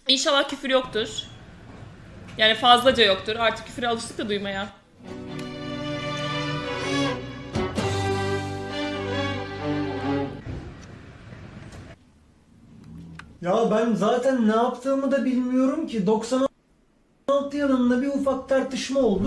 İnşallah küfür yoktur. Yani fazlaca yoktur. Artık küfüre alıştık da duymaya. Ya ben zaten ne yaptığımı da bilmiyorum ki. 96 yılında bir ufak tartışma oldu.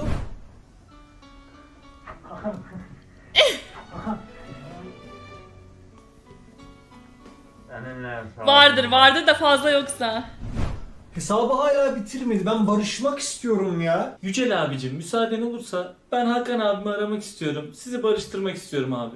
Vardır da fazla yoksa. Hesabı hala bitirmedi. Ben barışmak istiyorum ya. Yücel abicim müsaaden olursa ben Hakan abimi aramak istiyorum. Sizi barıştırmak istiyorum abi.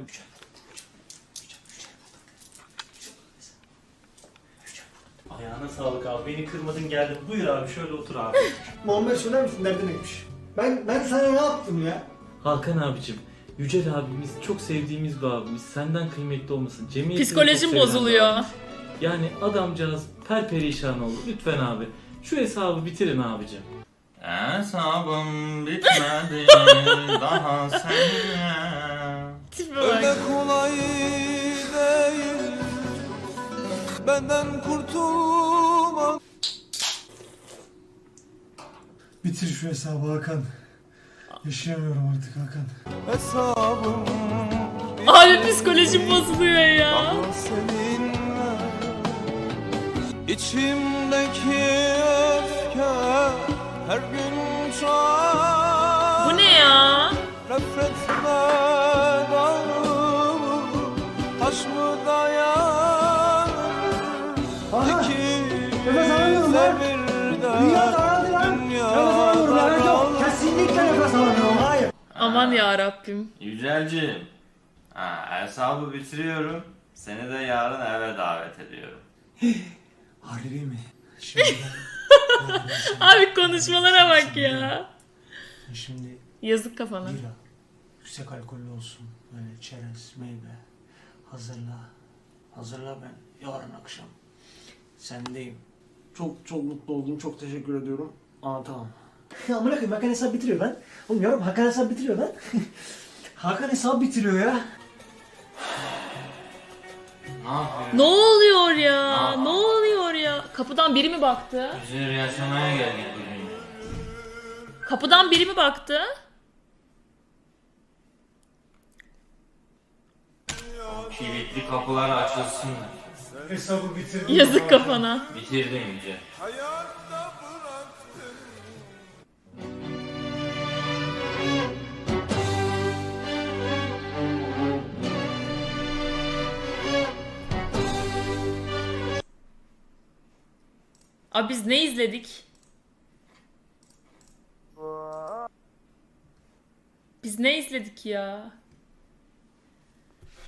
Ayağına sağlık abi. Beni kırmadın geldin. Buyur abi şöyle otur abi. Muammer söyler misin nereden neymiş? Ben sana ne yaptım ya? Hakan abicim, Yücel abimiz çok sevdiğimiz bir abimiz. Senden kıymetli olmasın. Cemiyetini Psikolojim çok seven bir bozuluyor. abimiz. Yani adamcağız perperişan oldu. Lütfen abi şu hesabı bitirin abicim. Hesabım bitmedi daha seninle. Tipe bak. kolay değil benden kurtulma. Bitir şu hesabı Hakan. Yaşayamıyorum artık Hakan. Hesabım Abi psikolojim bozuluyor ya. daha seninle. İçimdeki öfke her gün çoğalır. Bu ne ya? Nefretme dağılır, taş mı dayanır? Aha! İkimiz Nefes alamıyorum lan! birden Dünya daraldı lan! dünya Nefes alamıyorum lanet yok! daralır. Kesinlikle nefes alamıyorum, hayır! Aman ya Rabbim. Yücelciğim, hesabı bitiriyorum. Seni de yarın eve davet ediyorum. Harbi mi? Şimdi Abi konuşmalara bak ya. Şimdi Yazık kafana. bira, yüksek alkollü olsun. Böyle çerez, meyve. Hazırla. Hazırla ben yarın akşam. Sendeyim. Çok mutlu oldum. Çok teşekkür ediyorum. Anlatamam. Amına koyayım Hakan hesap bitiriyor lan. Oğlum yavrum Hakan hesap bitiriyor lan. Hakan hesap bitiriyor ya. Ne yapıyorsun? Ne oluyor ya? Ne oluyor ya? Kapıdan biri mi baktı? Üzeri yaşamaya geldik bugün. Kapıdan biri mi baktı? Kilitli kapılar açılsın. Hesabı bitirdim. Yazık kafana. Bitirdim Yücel. Abi biz ne izledik? Biz ne izledik ya?